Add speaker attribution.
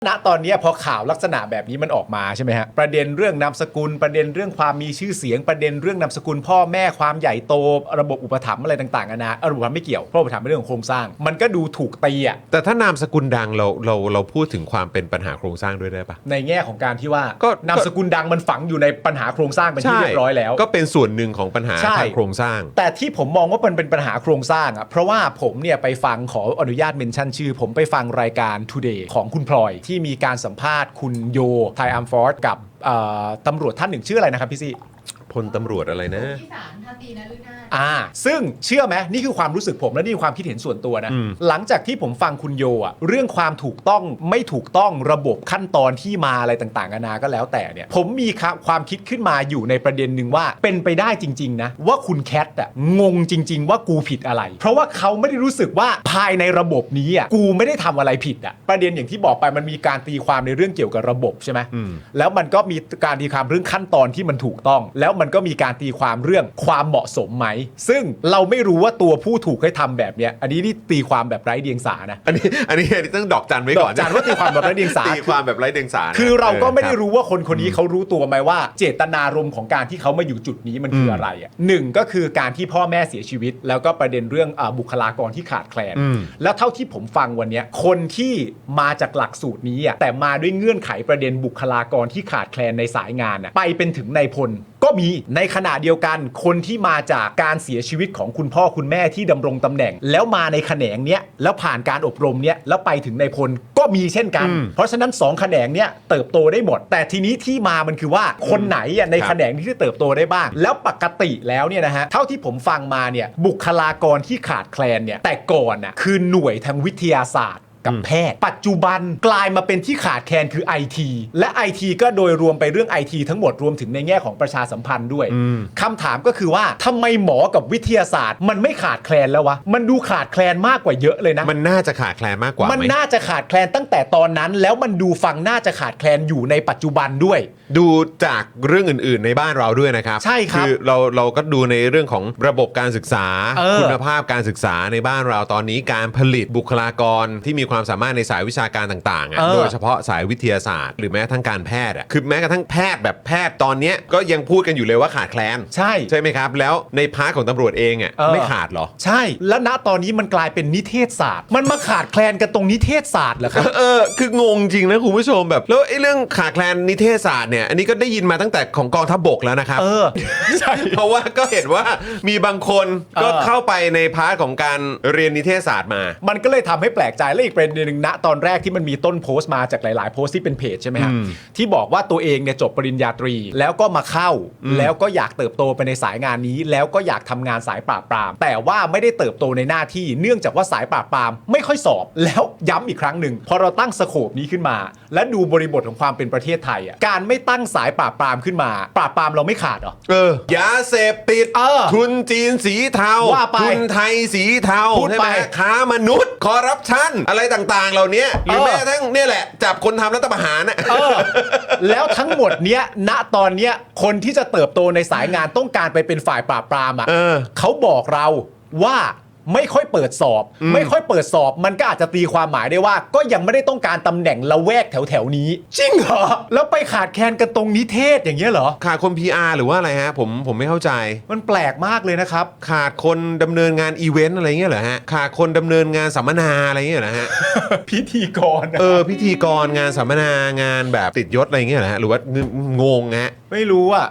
Speaker 1: ณตอนนี้พอข่าวลักษณะแบบนี้มันออกมาใช่ไหมฮะประเด็นเรื่องนามสกุลประเด็นเรื่องความมีชื่อเสียงประเด็นเรื่องนามสกุลพ่อแม่ความใหญ่โตระบบอุปถัมภ์อะไรต่างๆนะระบบอุปถัมภ์ไม่เกี่ยวเพราะอุปถัมภ์เป็นเรื่องของโครงสร้างมันก็ดูถูกตีอ่ะ
Speaker 2: แต่ถ้านามสกุลดังเราพูดถึงความเป็นปัญหาโครงสร้างด้วยได้ปะ
Speaker 1: ในแง่ของการที่ว่า
Speaker 2: ก็
Speaker 1: นามสกุลดังมันฝังอยู่ในปัญหาโครงสร้างเป็นที่เรียบร้อยแล้ว
Speaker 2: ก็เป็นส่วนหนึ่งของปัญหา
Speaker 1: ใช่
Speaker 2: ทางโครงสร้าง
Speaker 1: แต่ที่ผมมองว่ามันเป็นปัญหาโครงสร้างอ่ะเพราะว่าผมเนี่ยไปฟังขออนุญาตเมนชั่นชื่อผมไปฟังรายการ Today ของคุณพลอยที่มีการสัมภาษณ์คุณโยไทอัมฟอร์ดกับตำรวจท่านหนึ่งชื่ออะไรนะครับพี่ซี่
Speaker 2: พลตำรวจอะไรนะ
Speaker 3: ที่ศาลทันตีนฤนาถ
Speaker 1: ซึ่งเชื่อไหมนี่คือความรู้สึกผมและนี่คือความคิดเห็นส่วนตัวนะหลังจากที่ผมฟังคุณโยอ่ะเรื่องความถูกต้องไม่ถูกต้องระบบขั้นตอนที่มาอะไรต่างๆนานาก็แล้วแต่เนี่ยผมมีความคิดขึ้นมาอยู่ในประเด็นหนึ่งว่าเป็นไปได้จริงๆนะว่าคุณแคทอ่ะงงจริงๆว่ากูผิดอะไรเพราะว่าเขาไม่ได้รู้สึกว่าภายในระบบนี้อ่ะกูไม่ได้ทำอะไรผิดอ่ะประเด็นอย่างที่บอกไปมันมีการตีความในเรื่องเกี่ยวกับระบบใช่ไหมแล้วมันก็มีการตีความเรื่องขั้นตอนที่มันถูกต้องแล้วมันก็มีการตีความเรื่องความเหมาะสมไหมซึ่งเราไม่รู้ว่าตัวผู้ถูกให้ทำแบบเนี้ยอันนี้นี่ตีความแบบไร้เดียงสานะ
Speaker 2: อันนี้ต้องดอกจันไว้ก่อน
Speaker 1: ดอกจันว่าตีความแบบไร้เดียงสา
Speaker 2: ตีความแบบไร้เดียงสา
Speaker 1: คือเราก็ไม่ได้รู้ว่าคนนี้เขารู้ตัวไหมว่าเจตนารมณ์ของการที่เขามาอยู่จุดนี้มันคืออะไรอ่ะหนึ่งก็คือการที่พ่อแม่เสียชีวิตแล้วก็ประเด็นเรื่องบุคลากรที่ขาดแคลนแล้วเท่าที่ผมฟังวันนี้คนที่มาจากหลักสูตรนี้อ่ะแต่มาด้วยเงื่อนไขประเด็นบุคลากรที่ขาดแคลนในสายงานอ่ะไปเป็นถึงนายพลก็มีในขณะเดียวกันคนที่มาจากการเสียชีวิตของคุณพ่อคุณแม่ที่ดำรงตำแหน่งแล้วมาในแขนงเนี้ยแล้วผ่านการอบรมเนี้ยแล้วไปถึงนายพลก็มีเช่นกันเพราะฉะนั้น2แขนงเนี้ยเติบโตได้หมดแต่ทีนี้ที่มามันคือว่าคนไหนในแขนงที่เติบโตได้บ้างแล้วปกติแล้วเนี่ยนะฮะเท่าที่ผมฟังมาเนี่ยบุคลากรที่ขาดแคลนเนี่ยแต่ก่อนน่ะคือหน่วยทางวิทยาศาสตร์กับแพทย์ปัจจุบันกลายมาเป็นที่ขาดแคลนคือ IT และ IT ก็โดยรวมไปเรื่อง IT ทั้งหมดรวมถึงในแง่ของประชาสัมพันธ์ด้วยคำถามก็คือว่าทำไมหมอกับวิทยาศาสตร์มันไม่ขาดแคลนแล้ววะมันดูขาดแคลนมากกว่าเยอะเลยนะ
Speaker 2: มันน่าจะขาดแคลนมากกว่า
Speaker 1: มันน่าจะขาดแคลนตั้งแต่ตอนนั้นแล้วมันดูฟังน่าจะขาดแคลนอยู่ในปัจจุบันด้วย
Speaker 2: ดูจากเรื่องอื่นๆในบ้านเราด้วยนะครับ
Speaker 1: ใช่ครับ
Speaker 2: คือเราก็ดูในเรื่องของระบบการศึกษาคุณภาพการศึกษาในบ้านเราตอนนี้การผลิตบุคลากรที่มีความสามารถในสายวิชาการต่างๆโดยเฉพาะสายวิทยาศาสตร์หรือแม้ทั้งการแพทย์คือแม้กระทั่งแพทย์แบบแพทย์ตอนนี้ก็ยังพูดกันอยู่เลยว่าขาดแคลนใช่ไหมครับแล้วในพาร์ทของตำรวจเองไม่ขาดหรอ
Speaker 1: ใช่แล้วณตอนนี้มันกลายเป็นนิเทศศาสตร์มันมาขาดแคลนกันตรงนิเทศศาสตร์เหรอครับ
Speaker 2: คืองงจริงนะคุณผู้ชมแบบแล้วไอ้เรื่องขาดแคลนนิเทศศาสตร์เนี่ยอันนี้ก็ได้ยินมาตั้งแต่ของกองทัพบกแล้วนะครับ
Speaker 1: ใช่
Speaker 2: เพราะว่าก็เห็นว่ามีบางคนก็เข้าไปในพาร์ทของการเรียนนิเทศศาสตร์มา
Speaker 1: มันก็เลยทำให้แปลกใจและอีกประเด็นนึงณตอนแรกที่มันมีต้นโพสต์มาจากหลายๆโพสต์ที่เป็นเพจใช่ไหมฮะที่บอกว่าตัวเองเนี่ยจบปริญญาตรีแล้วก็มาเข้าแล้วก็อยากเติบโตไปในสายงานนี้แล้วก็อยากทำงานสายปราบปรามแต่ว่าไม่ได้เติบโตในหน้าที่เนื่องจากว่าสายปราบปรามไม่ค่อยสอบแล้วย้ำอีกครั้งหนึ่งพอเราตั้งสโคปนี้ขึ้นมาและดูบริบทของความเป็นประเทศไทยการไม่ตั้งสายปราบปรามขึ้นมาปราบปรามเราไม่ขาดหร
Speaker 2: อยาเสพติดทุนจีนสีเทาทุนไทยสีเทาใช่ไหมค้ามนุษย์คอร์รัปชันอะไรต่างๆเหล่านี้หรือแม้กระทั่งเนี่ยแหละจับคนทำรัฐประหาร
Speaker 1: แล้วทั้งหมดเนี้ยณตอนเนี้ยคนที่จะเติบโตในสายงานต้องการไปเป็นฝ่ายปราบปรามเขาบอกเราว่าไม่ค่อยเปิดสอบไม่ค่อยเปิดสอบมันก็อาจจะตีความหมายได้ว่าก็ยังไม่ได้ต้องการตำแหน่งละแวกแถวๆนี้จริงเหรอแล้วไปขาดแคลนกันตรงนิเทศอย่างเงี้ยเหรอ
Speaker 2: ขาดคน PR หรือว่าอะไรฮะผมไม่เข้าใจ
Speaker 1: มันแปลกมากเลยนะครับ
Speaker 2: ขาดคนดำเนินงานอีเวนต์อะไรเงี้ยเหรอฮะขาดคนดำเนินงานสัมมนาอะไรเงี้ยเหรอฮะ
Speaker 1: พิธีกร
Speaker 2: พิธีกรงานสัมมนางานแบบติดยศอะไรเงี้ยเหรอฮะหรือว่างงฮะ
Speaker 1: ไม่รู้อ่ะ